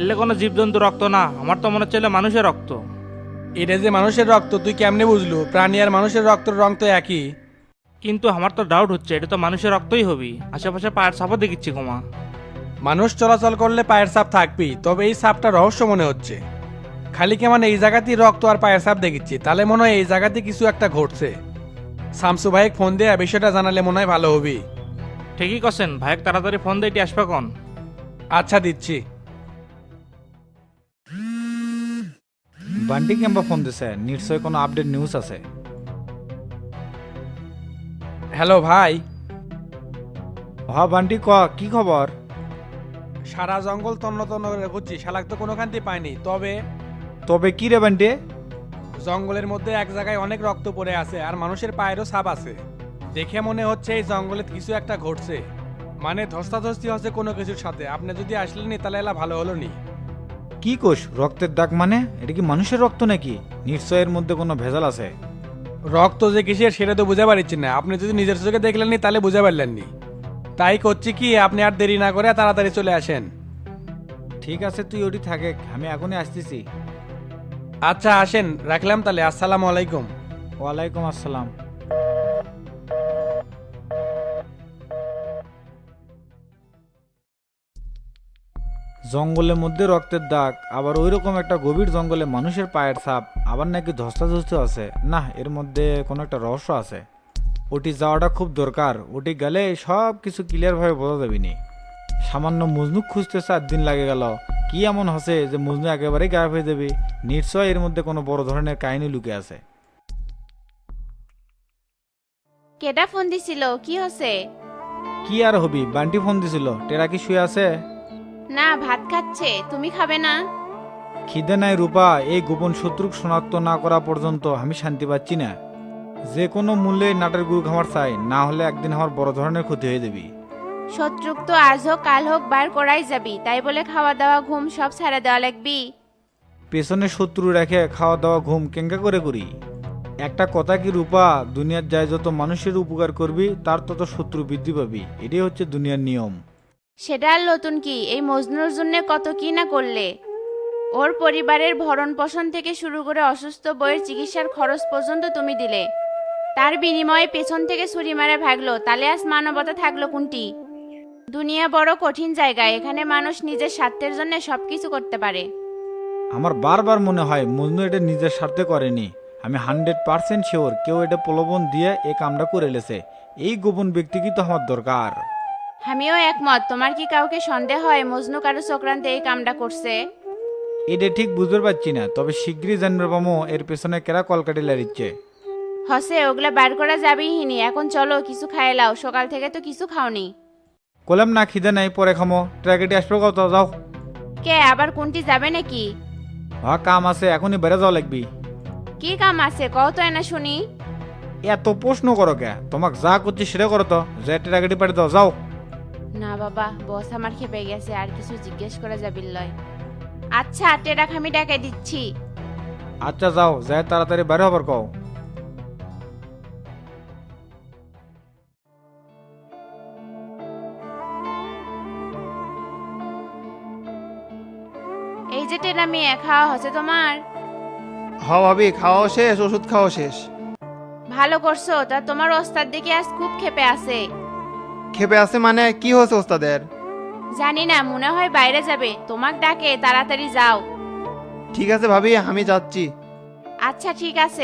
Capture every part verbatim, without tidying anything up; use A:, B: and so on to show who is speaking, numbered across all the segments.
A: এলে কোনো জীবজন্তু রক্ত না, আমার তো মনে হচ্ছে এলে মানুষের রক্ত।
B: এটা যে মানুষের রক্ত তুই কেমনে বুঝলু? প্রাণী আর মানুষের রক্তের রং তো একই।
A: কিন্তু আমার তো ডাউট হচ্ছে এটা তো মানুষের রক্তই হবি, আশেপাশে পায়ের ছাপও দেখিচ্ছি কমা।
B: মানুষ চলাচল করলে পায়ের ছাপ থাকবেই, তবে এই ছাপটা রহস্য মনে হচ্ছে। খালি কেমন এই জায়গাতেই রক্ত আর পায়ের ছাপ দেখিচ্ছি, তাহলে মনে হয় এই জায়গাতে কিছু একটা ঘটছে। শামসু ভাইকে ফোন দিয়ে বিষয়টা জানালে মনে হয় ভালো হবে।
A: ঠিকই করছেন ভাইক, তাড়াতাড়ি ফোন দিয়ে এটি আসবে কন।
B: আচ্ছা দিচ্ছি।
C: বান্টি কেম্বা ফোন দিছে, নিশ্চয় কোনো আপডেট নিউজ আছে।
B: হ্যালো ভাই।
C: হ বান্টি ক, কি খবর?
B: সারা জঙ্গল তন্ন তন্ন করে খুঁজছি, শালাক তো কোনোখানতে পাইনি। তবে
C: তবে কি রে বান্টি?
B: জঙ্গলের মধ্যে এক জায়গায় অনেক রক্ত পড়ে আছে আর মানুষের পায়েরও ছাপ আছে। দেখে মনে হচ্ছে এই জঙ্গলে কিছু একটা ঘটছে, মানে ধস্তাধস্তি হচ্ছে কোনো কিছুর সাথে। আপনি যদি আসলেনি তাহলে এলা ভালো হলো নি।
C: কি কোষ রক্তের দাগ মানে? এটা কি মানুষের রক্ত নাকি? নিশ্চয় এর মধ্যে কোনো ভেজাল আছে।
B: রক্ত যে কিসের সেটা তো বুঝতে পারছি না। আপনি যদি নিজের চোখে দেখলেননি তাহলে বুঝতে পারলেননি। তাই করছি কি, আপনি আর দেরি না করে তাড়াতাড়ি চলে আসেন।
C: ঠিক আছে, তুই ওটি থাকে, আমি এখনই আসতেছি।
B: আচ্ছা আসেন, রাখলাম তাহলে। আসসালামু আলাইকুম।
C: ওয়ালাইকুম আসসালাম। জঙ্গলের মধ্যে রক্তের দাগ, আবার ওই রকম একটা গভীর জঙ্গলে মানুষের পায়ের ছাপ, আবার নাকি ধস্তাধস্তি আছে। না, এর মধ্যে কোনো একটা রহস্য আছে। ওটি যাওয়াটা খুব দরকার। ওটি গেলে সব কিছু ক্লিয়ারভাবে বোঝা যাবে নি। সামান্য মজনু খুঁজতে চার দিন লাগে গেল। কি এমন হচ্ছে যে মজনু একেবারেই গায়েব হয়ে যাবে? নিশ্চয় এর মধ্যে কোনো বড় ধরনের কাহিনী লুকে আছে।
D: কেডা ফোন দিছিল? কি হচ্ছে?
C: কি আর হবি, বান্টি ফোন দিছিল। টেরা কি শুয়ে আছে?
D: না, ভাত খাচ্ছে। তুমি খাবে না?
C: খিদে নাই রূপা, এই গোপন শত্রুক শনাক্ত না করা পর্যন্ত আমি শান্তি পাচ্ছি না। যে কোনো মূল্যে নাটের গুরু খামার চাই, না হলে একদিন আমার বড় ধরনের ক্ষতি হয়ে যাবি।
D: শত্রুক তো আজ হোক কাল হোক বার করাই যাবি, তাই বলে খাওয়া দাওয়া ঘুম সব ছাড়া দেওয়া লাগবি?
C: পেছনে শত্রু রেখে খাওয়া দাওয়া ঘুম কেঙ্কা করে করি? একটা কথা কি রূপা, দুনিয়ার যায় যত মানুষের উপকার করবি তার তত শত্রু বৃদ্ধি পাবি। এটাই হচ্ছে দুনিয়ার নিয়ম।
D: সেটা আর নতুন কি? এই মজনুর জন্য কত কি না করলে। ওর পরিবারের ভরণ পোষণ থেকে শুরু করে অসুস্থ বইয়ের চিকিৎসার খরচ পর্যন্ত তুমি দিলে। তার বিনিময়ে পেছন থেকে ছুরি মারে ভাগলো, তাহলে আজ মানবতা থাকলো কোনটি? দুনিয়া বড় কঠিন জায়গা, এখানে মানুষ নিজের স্বার্থের জন্য সবকিছু করতে পারে।
C: আমার বারবার মনে হয় মজনু এটা নিজের স্বার্থে করেনি। আমি হান্ড্রেড পার্সেন্ট শিওর কেউ এটা প্রলোভন দিয়ে এই কামটা করে লেছে। এই গোপন ব্যক্তি কি তো আমার দরকার।
D: আমিও একমত। তোমার কি কাউকে সন্দেহ হয় মজনু কারো চক্রান্তে এই কামটা করছে?
C: এটা ঠিক বুঝতে পারছি না, তবে শীঘ্রই জানবে পামো এর পেছনে কেরা কলকাটি লাড়িচ্ছে।
D: হসে, ওগুলা বার করা যাবেই হিনি। এখন চলো কিছু খাই লাও, সকাল থেকে তো কিছু খাওনি।
C: কলাম না, খিদে নাই, পরে খামো। ট্র্যাকেটি আসবে কত, যাও।
D: কে আবার কোনটি যাবে নাকি?
C: হ্যাঁ কাম আছে, এখনই বেড়ে যাওয়া লাগবি।
D: কি কাম আছে কও তো এনা শুনি।
C: এত প্রশ্ন করো কে? তোমাক যা করছি সেটা করো তো, যে ট্র্যাকেটি পাঠিয়ে দাও, যাও।
D: না বাবা, বস আমার খেপে গেছে, আর কিছু জিজ্ঞেস করা যাবিল লয়। আচ্ছা, টেরাক আমি ডাকে দিচ্ছি।
C: আচ্ছা যাও, যাই তাড়াতাড়ি বাইরে হবার কও।
D: এই যে টেরা মেয়ে, খাওয়া হচ্ছে তোমার?
E: হ ভাবি, খাওয়াও শেষ, ওষুধ খাওয়াও শেষ।
D: ভালো করছো। তা তোমার ওস্তাদ দেখে আজ খুব খেপে আছে।
E: খেপে আছে মানে? কি হয়েছে ওস্তাদের?
D: জানি না, মনে হয় বাইরে যাবে। তোমাক ডাকে, তাড়াতাড়ি যাও।
E: ঠিক আছে ভাবি, আমি যাচ্ছি।
D: আচ্ছা ঠিক আছে।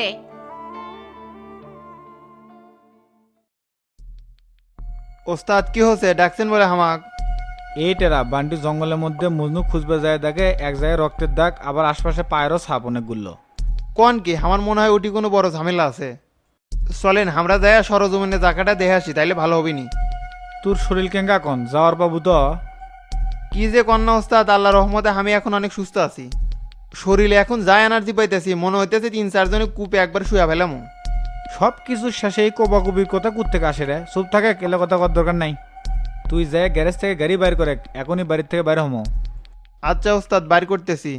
E: ওস্তাদ কি হয়েছে, ডাকছেন বলে হামাক?
C: এই টেরা বান্টি জঙ্গলের মধ্যে মজনু খুঁজবে যায়, দেখে এক জায়গায় রক্তের দাগ, আবার আশপাশে পায়েরও ছাপ অনেকগুলো।
E: কোন কি? আমার মনে হয় ওটি কোনো বড় ঝামেলা আছে। চলেন আমরা যাই সরজমিনে জায়গাটা দেখে আসি, তাইলে ভালো হবে নি।
C: তোর শরীর কেঙ্গা কন, যাওয়ার বাবু তো?
E: কি যে কন্যা ওস্তাদ, আল্লাহ রহমতে আমি এখন অনেক সুস্থ আছি। শরীরে এখন যা এনার্জি পাইতেছি, মনে হইতেছে তিন চারজনে কূপে একবার শুয়ে ফেলাম।
C: সব কিছুর শেষে এই কবাকবির কথা কুত্তে আসে রে। চুপ থাকে, কেলে কথা কর দরকার নাই। তুই যায় গ্যারেজ থেকে গাড়ি বাইর করে, এখনই বাড়ির থেকে বাইরে হমো।
E: আচ্ছা ওস্তাদ, বাইর করতেছি।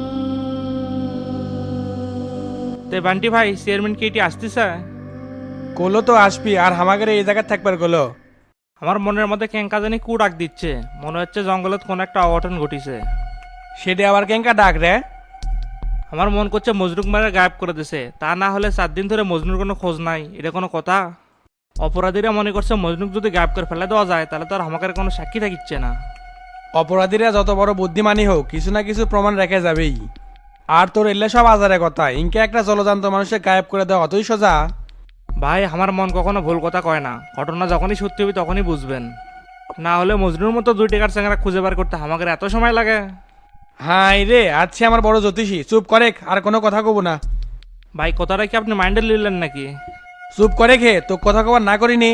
A: তে বান্টি ভাই, চেয়ারম্যান কি এটি আসতেছে?
B: কলো তো আসবি আর হামাগের এই জায়গায় থাকবার গলো।
A: আমার মনের মধ্যে কেঙ্কা জানি কু ডাক দিচ্ছে, মনে হচ্ছে জঙ্গলত কোনো একটা অঘটন ঘটিছে।
B: সেটা আবার কেঙ্কা ডাক রে?
A: আমার মন করছে মজনুক মারে গায়েব করে দিছে, তা না হলে চার দিন ধরে মজনুর কোনো খোঁজ নাই, এটা কোনো কথা? অপরাধীরা মনে করছে মজনুক যদি গায়েব করে ফেলে দেওয়া যায় তাহলে তো আর আমাকে কোনো সাক্ষী থাকিচ্ছে না।
B: অপরাধীরা যত বড় বুদ্ধিমানই হোক কিছু না কিছু প্রমাণ রেখে যাবেই। আর তোর এলে সব আজারে কথা, ইনকে একটা জলজান্ত মানুষের গায়েব করে দেওয়া অতই সোজা?
A: ভাই আমার মন কখনো ভুল কথা কয় না, ঘটনা যখনই সত্যি হবে তখনই বুঝবেন। না হলে মজনুর মতো দুই টাকার চ্যাংরা খুঁজে বার করতে আমাকে এত সময় লাগে?
B: হাই রে, আজকে আমার বড় জ্যোতিষী, চুপ করে আর কোনো কথা কব না।
A: ভাই কথাটা কি আপনি মাইন্ডে নিলেন নাকি?
B: চুপ করে খে, তো কথা কবার না করিনি।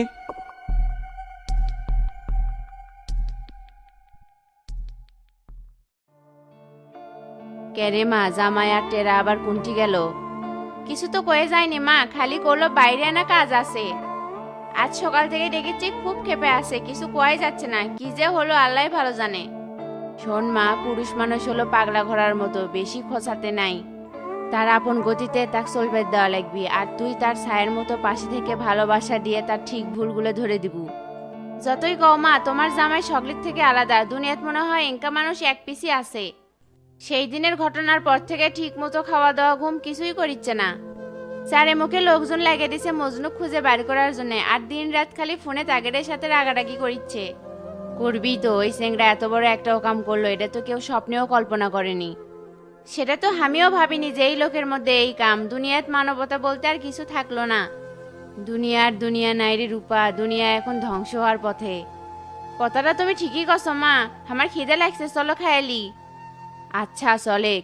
D: কেরে মা, জামাই আর টেরা আবার কুন্টি গেল? কিছু তো কয়ে যায়নি মা, খালি করলো বাইরে না কাজ আছে। আজ সকাল থেকে ডেকেছি, খুব ক্ষেপে আছে, কিছু কোয়াই যাচ্ছে না, কি যে হলো আল্লাহ ভালো জানে। শোন মা, পুরুষ মানুষ হলো পাগলা ঘোড়ার মতো, বেশি খোঁচাতে নাই। তার আপন গতিতে তাকে চলবে দেওয়া লাগবি, আর তুই তার ছায়ের মতো পাশে থেকে ভালোবাসা দিয়ে তার ঠিক ভুলগুলো ধরে দিব। যতই কও মা, তোমার জামাই সকলের থেকে আলাদা, দুনিয়াত মনে হয় এঙ্কা মানুষ এক পিসি আছে। সেই দিনের ঘটনার পর থেকে ঠিক মতো খাওয়া দাওয়া ঘুম কিছুই করিচ্ছে না। চারে মুখে লোকজন লাগিয়ে দিছে মজনু খুঁজে বের করার জন্য, আর দিন রাত খালি ফোনে তাগেরের সাথে রাগারাগি করিচ্ছে। করবি তো, ওই সেংরা এত বড় একটাও কাম করলো, এটা তো কেউ স্বপ্নেও কল্পনা করেনি। সেটা তো আমিও ভাবিনি যে এই লোকের মধ্যে এই কাম। দুনিয়াত মানবতা বলতে আর কিছু থাকলো না। দুনিয়ার দুনিয়া নাইরে রূপা, দুনিয়া এখন ধ্বংস হওয়ার পথে। কথাটা তুমি ঠিকই কছো মা, আমার খিদে লাগছে, চলো খায়ালি। আচ্ছা চলেক।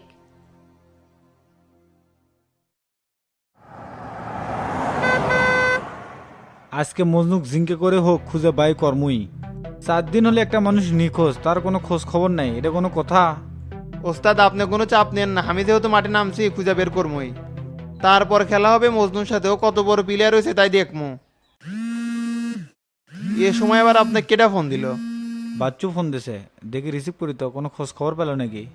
C: আজকে মজনুক জিঙ্কে করে হোক খুঁজে বাই কর্মই। চার দিন হলে একটা মানুষ নিখোঁজ, তার কোনো খোঁজ খবর নাই, এটা কোনো কথা?
E: ওস্তাদ আপনি কোনো চাপ নেন না, আমি যেহেতু মাঠে নামছি খুঁজে বের করবই। তারপর খেলা হবে মজনুর সাথেও, কত বড় প্লেয়ার হয়েছে তাই দেখমু। এ সময় আবার আপনাকে কেটা ফোন দিল?
C: বাচ্চু ফোন দিছে, দেখি রিসিভ করি তো, কোনো খোঁজ খবর পেল নাকি?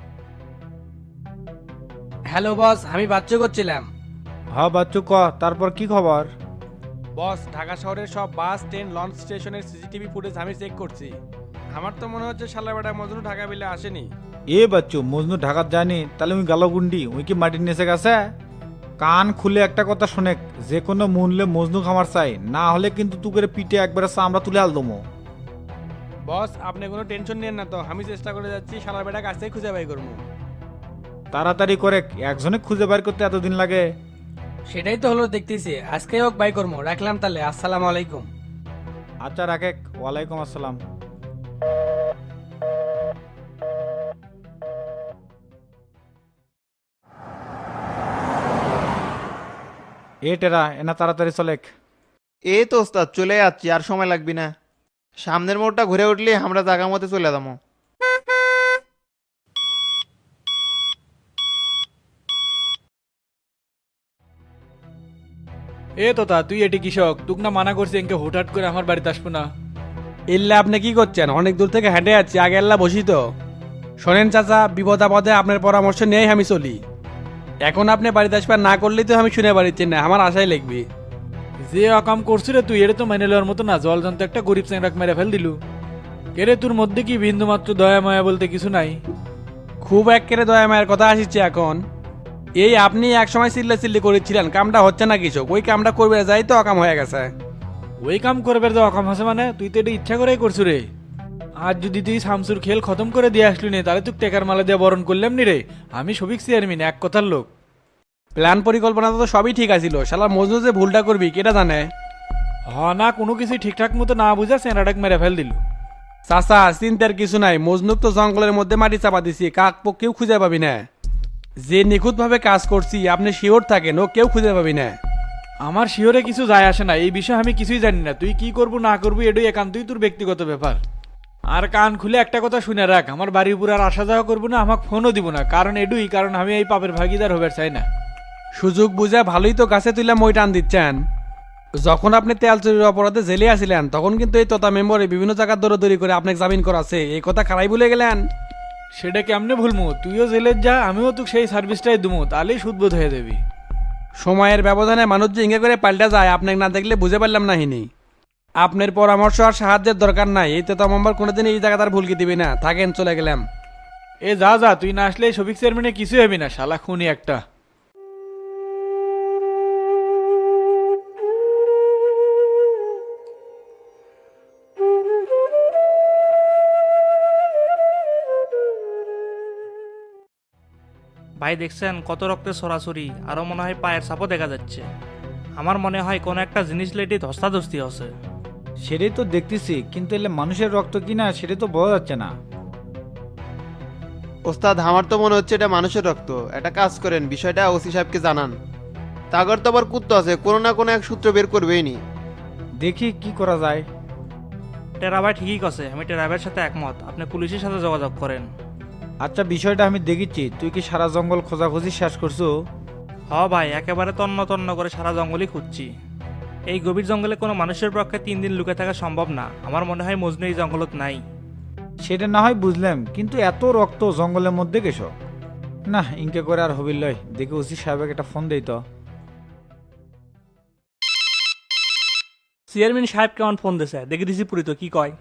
B: হ্যালো বস, আমি বাচ্চু করছিলাম।
C: হ্যাঁ বাচ্চু ক, তারপর কি খবর?
B: বস, ঢাকা শহরের সব বাস, ট্রেন, লঞ্চ স্টেশনের সিসিটিভি ফুটেজ আমি চেক করছি। আমার তো মনে হচ্ছে শালা বেটা মজনু ঢাকা বিলে আসেনি।
C: এ বাচ্চু, মজনু ঢাকাত যায়নি, তাহলে ওই গালগুন্ডি ওই কি মাটির নিচে গেছে? কান খুলে একটা কথা শোনে, যে কোনো মূল্যে মজনু খামার চাই, না হলে কিন্তু তুকের পিঠে একবারে চামড়া তুলে আল দমো।
B: বস আপনি কোনো টেনশন নিয়েন না তো, আমি চেষ্টা করে যাচ্ছি শালা বেটা কাছেই খুঁজে বাই করবো।
C: তাড়াতাড়ি করে, একজনে খুঁজে বের করতে এতদিন লাগে?
B: সেটাই তো হলো দেখতেছি, আজকেই হোক বাই করবো। রাখলাম তাহলে, আসসালামু আলাইকুম।
C: আচ্ছা রাখে, ওয়ালাইকুম আসসালাম। এ টেরা, এনা তাড়াতাড়ি চলেক।
E: এই তো ওস্তাদ চলে যাচ্ছি, আর সময় লাগবি না। সামনের মোড়টা ঘুরে উঠলে আমরা জায়গা মতো চলে যাবো।
F: এ তোতা, তুই এটি কৃষক, তুক না মানা করছি এনকে হুটহাট করে আমার বাড়িতে আসবো না।
B: ইল্লা আপনি কি করছেন? অনেক দূর থেকে হেঁটে যাচ্ছি, আগে আল্লাহ বসি তো। শোনেন চাচা, বিপদ আপদে আপনার পরামর্শ নিয়েই আমি চলি। এখন আপনি বাড়িতে আসবার না করলেই তো আমি শুনে বাড়িতে না, আমার আশাই লিখবি।
F: যে অকাম করছি রে তুই, এটা তো মেনে নেওয়ার মতো না। জল জানতো একটা গরিব চেংরাক মেরে ফেল দিলু। কেরে তোর মধ্যে কি বিন্দু মাত্র দয়া মায়া বলতে কিছু নাই?
B: খুব এক কেড়ে দয়া মায়ের কথা আসছে এখন। এই আপনি এক সময় চিল্লা চিল্লি করেছিলেন, কামটা হচ্ছে না কিছু, ওই কামটা করবে যাই তো অকাম হয়ে গেছে।
F: ওই কাম করবে যে অকাম আছে মানে? তুই তো এটা ইচ্ছা করেই করছু রে। আজ যদি তুই শামসুর খেল খতম করে দিয়ে আসলি নে, তাহলে তুই টেকার মালা দিয়ে বরণ করলাম নি রে। আমি সবিক চেয়ারম্যান, এক কথার লোক।
B: প্ল্যান পরিকল্পনা তো সবই ঠিক আছিল, শালা মজনু যে ভুলটা করবি কেটা জানে?
F: হ না, কোনো কিছু ঠিকঠাক মতো না বুঝা চেংরাটাক মেরে ফেল দিল।
B: চাচা চিন্তার কিছু নাই, মজনুক তো জঙ্গলের মধ্যে মাটি চাপা দিছি, কাক পক্ষেও খুঁজে পাবি না। যে নিখুঁতভাবে কাজ করছি আপনি শিওর থাকেন, ও কেউ খুঁজে পাবি না।
F: আমার শিওরে কিছু যায় আসে না, এই বিষয়ে আমি কিছুই জানি না। তুই কি করবো না করবি এটাই একান্তই তোর ব্যক্তিগত ব্যাপার। আর কান খুলে একটা কথা শুনে রাখ, আমার বাড়ির উপর আর আসা যাওয়া করবো না, আমাকে ফোনও দিব না। কারণ এডুই, কারণ আমি এই পাপের ভাগিদার হবার চাই না।
B: সুযোগ বুঝে ভালোই তো গাছে তুলে মই টান দিচ্ছেন। যখন আপনি তেল চুরির অপরাধে জেলে আসিলেন তখন কিন্তু এই তোতা মেম্বরে বিভিন্ন জায়গার দৌড়দৌড়ি করে আপনাকে জামিন করাছে, এই কথা খারাই ভুলে গেলেন।
F: সেটা কেমনে ভুলমু? তুইও জেলে যা, আমিও তোকে সেই সার্ভিসটাই দুমু, তাহলেই সুদবোধ হয়ে যাবি।
B: সময়ের ব্যবধানে মানুষ যে ইঙ্গে করে পাল্টা যায় আপনাকে না দেখলে বুঝে পারলাম না হিনি। আপনার পরামর্শ আর সাহায্যের দরকার নাই, এই তো আমার কোনোদিন এই জায়গা তার ভুলকি দিবি না, থাকেন চলে গেলাম।
F: এ যা যা, তুই না আসলে শফিক চেয়ারম্যানে কিছু হবি না, শালা খুনি একটা।
A: ভাই দেখছেন কত রক্তের সরাসরি, আরও মনে হয় পায়ের ছাপও দেখা যাচ্ছে। আমার মনে হয় কোনো একটা জিনিস লেটে ধস্তাধস্তি আছে।
C: সেটাই তো দেখতেছি, কিন্তু এলে মানুষের রক্ত কিনা সেটা তো বোঝা যাচ্ছে না।
E: ওস্তাদ আমার তো মনে হচ্ছে এটা মানুষের রক্ত। একটা কাজ করেন, বিষয়টা ওসি সাহেবকে জানান। তাগর তো আবার কুত্তো আছে, কোনো না কোনো এক সূত্র বের করবেই নি।
C: দেখি কি করা যায়।
A: টেরা ভাই ঠিকই আছে, আমি টেরা ভাইয়ের সাথে একমত। আপনি পুলিশের সাথে যোগাযোগ করেন।
C: আচ্ছা, বিষয়টা আমি দেখেছি, তুই কি সারা জঙ্গল খোঁজাখুঁজি শেষ করছো?
A: হ ভাই, একেবারে তন্ন তন্ন করে সারা জঙ্গলই খুঁজছি। এই গভীর জঙ্গলে কোনো মানুষের পক্ষে তিন দিন লুকে থাকা সম্ভব না। আমার মনে হয় মজনু এই জঙ্গলত নাই।
C: সেটা না হয় বুঝলাম, কিন্তু এত রক্ত জঙ্গলের মধ্যে গেছো না, ইনকে করে আর হবির লয়। দেখি ওসি সাহেবকে একটা ফোন দেই তো।
A: চেয়ারম্যান সাহেব কেমন ফোন দিছে দেখে দিছি পুরি, তো কি কয়?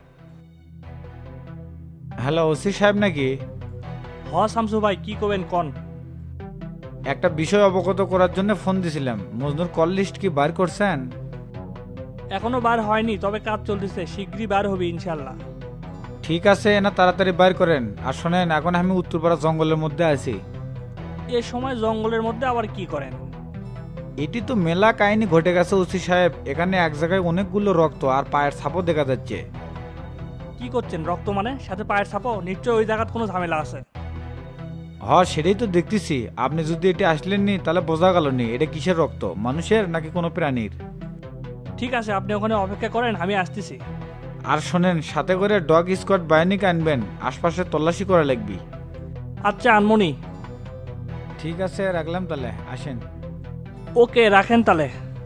C: হ্যালো, ওসি সাহেব নাকি?
A: হ শামসু ভাই, কি করবেন কন?
C: একটা বিষয় অবগত করার জন্য ফোন দিছিলাম। মজনুর কল লিস্ট কি বার করছেন?
A: এখনো বার হয়নি, তবে কাজ চলতেছে, শীঘ্রই বার হবে ইনশাল্লাহ।
C: ঠিক আছে, না তাড়াতাড়ি বার করেন। আর শোনেন, এখন আমি উত্তরপাড়া জঙ্গলের মধ্যে আছি।
A: এ সময় জঙ্গলের মধ্যে আবার কি করেন?
C: এটি তো মেলা কাহিনী ঘটে গেছে ওসি সাহেব। এখানে এক জায়গায় অনেকগুলো রক্ত আর পায়ের ছাপও দেখা যাচ্ছে।
A: কি করছেন? রক্ত মানে সাথে পায়ের ছাপও? নিশ্চয় ওই জায়গায় কোনো ঝামেলা আছে।
C: হ, সেটাই তো দেখতেছি। আপনি যদি এটি আসলেন নি তাহলে বোঝা গেল নি এটা কিসের রক্ত, মানুষের নাকি কোনো প্রাণীর।
A: ঠিক আছে, আপনি ওখানে অপেক্ষা করেন, আমি আসতেছি।
C: আর শোনেন, সাথে করে ডগ স্কোয়াড বাহিনীকে আনবেন, আশপাশে তল্লাশি করা লাগবে।
A: আচ্ছা আনমনি।
C: ঠিক আছে, রাখলাম তাহলে, আসেন।
A: ওকে, রাখেন তাহলে।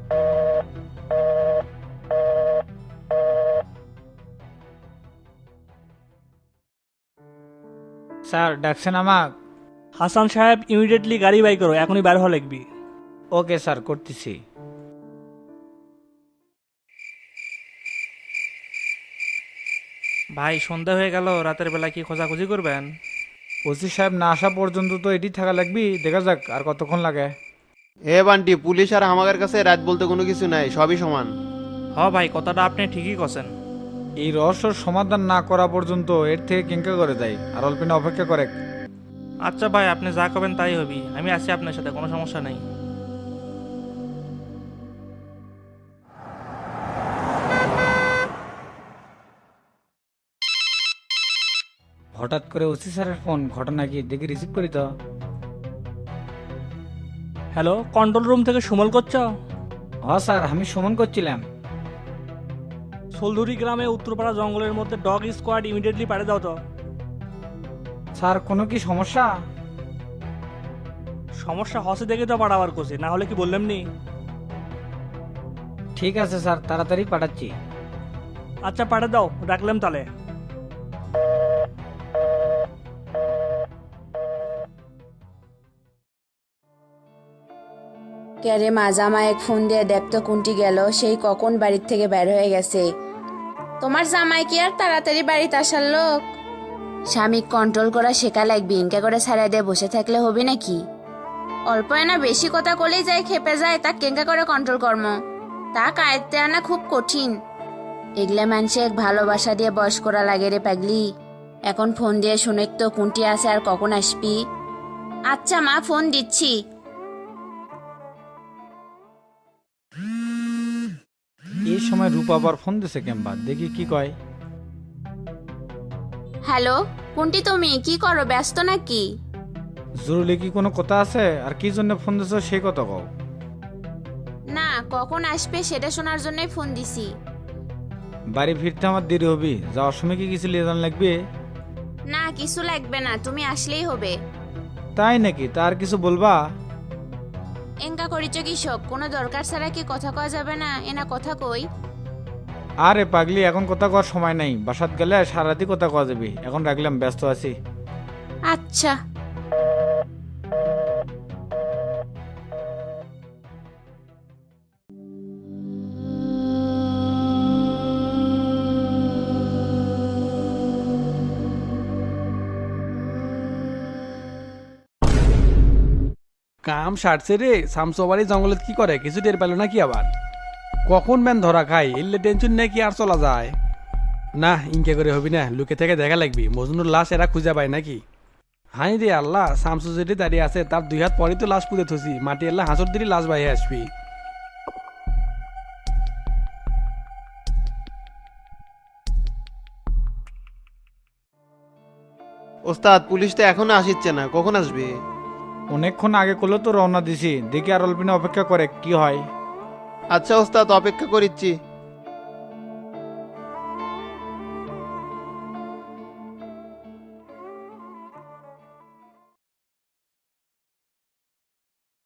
C: স্যার ডাকছেন আমাক?
A: হাসান সাহেব, ইমিডিয়েটলি গাড়ি বাই করো, এখনই বের হওয়া লাগবি।
C: ওকে স্যার, করতেছি।
A: ভাই সন্ধ্যা হয়ে গেল, রাতের বেলা কি খোঁজাখুঁজি করবেন?
C: ওসি সাহেব না আসা পর্যন্ত তো এটি থাকা লাগবে, দেখা যাক আর কতক্ষণ লাগে।
E: এ বান্টি, পুলিশ আর আমাদের কাছে রাত বলতে কোনো কিছু নাই, সবই সমান।
A: হ ভাই, কথাটা আপনি ঠিকই কছেন।
C: এই রহস্যর সমাধান না করা পর্যন্ত এর থেকে কেঙ্কা করে দেয়, আর অল্পিনা অপেক্ষা করে।
A: আচ্ছা ভাই, আপনি যা করবেন তাই হবি, আমি আছি আপনার সাথে, কোনো সমস্যা নেই।
C: হঠাৎ করে ওসি স্যারের ফোন, ঘটনা কি দেখি রিসিভ করি তো।
A: হ্যালো, কন্ট্রোল রুম থেকে সুমল করছ?
C: হ স্যার, আমি সুমন করছিলাম।
A: সোলধুরি গ্রামে উত্তরপাড়া জঙ্গলের মধ্যে ডগ স্কোয়াড ইমিডিয়েটলি পাঠিয়ে দাও তো।
C: স্যার কোনো কি সমস্যা?
A: সমস্যা হসে দেখে তো পাঠাবার কোসে, না হলে কি বললাম নি?
C: ঠিক আছে স্যার, তাড়াতাড়ি পাঠাচ্ছি।
A: আচ্ছা পাঠিয়ে দাও, রাখলাম তাহলে।
D: ক্যারে মাজামা এক ফোন দিয়ে দেখতো কোনটি গেল, সেই কখন বাড়ির থেকে বের হয়ে গেছে। তোমার জামাই কি আর তাড়াতাড়ি বাড়িতে আসার লোক? স্বামী কন্ট্রোল করা শেখা লাগবে, ইনকা করে ছাড়াই দিয়ে বসে থাকলে হবে নাকি? অল্প না বেশি কথা কলেই যায় খেপে যায়, তা কেঙ্কা করে কন্ট্রোল কর্ম তা কায়তে আনা খুব কঠিন। এগুলা মানুষে এক ভালোবাসা দিয়ে বয়স করা লাগে রে পাগলি। এখন ফোন দিয়ে শুনে তো কোনটি আছে আর কখন আসবি। আচ্ছা মা, ফোন দিচ্ছি।
C: এই সময় রূপা আবার ফোন দিছে কেমবা, দেখি কি কয়।
D: হ্যালো, কোনটি তুমি? কি করো, ব্যস্ত নাকি?
C: জরুরি কি কোনো কথা আছে? আর কি জন্য ফোন দিছো সেই কথা কও।
D: না, কখন আসবে সেটা শোনার জন্যই ফোন দিছি।
C: বাড়ি ফিরতে আমার দেরি হবি, যাওয়ার সময় কি কিছু লিয়ে যান লাগবে?
D: না, কিছু লাগবে না, তুমি আসলেই হবে।
C: তাই নাকি? তার কিছু বলবা?
D: এঙ্কা করিছ কৃষক, কোনো দরকার ছাড়া কি কথা কওয়া যাবে না? এনা কথা কই।
C: আরে পাগলি, এখন কথা কওয়ার সময় নাই, বাসাত গেলে সারাতি কথা কওয়া যাবে। এখন রাখলাম, ব্যস্ত আছি।
D: আচ্ছা।
B: কাম সারছে রে, শামসবাড়ি জঙ্গলত কি করে কিছু টের পেল নাকি আবার? কখন ম্যান ধরা খাই, এলে টেনশন নেই কি আর চলা যায়? না ইনকে করে হবি না, লুকে থেকে দেখা লাগবি মজনুর লাশ এরা খুঁজে পায় নাকি। হাই রে আল্লাহ, শামসু যেটি দাঁড়িয়ে আছে তার দুই হাত পরেই তো লাশ পুঁতে থসি, মাটি আল্লাহ হাঁসর দিলি লাশ বাইরে আসবি।
E: ওস্তাদ পুলিশ তো এখনো আসিচ্ছে না, কখন আসবে?
C: অনেকক্ষণ আগে করলে তো রওনা দিছি, দেখি আর অল্পিনে অপেক্ষা করে কি হয়।
E: আচ্ছা ওস্তাদ, অপেক্ষা করিচ্ছি।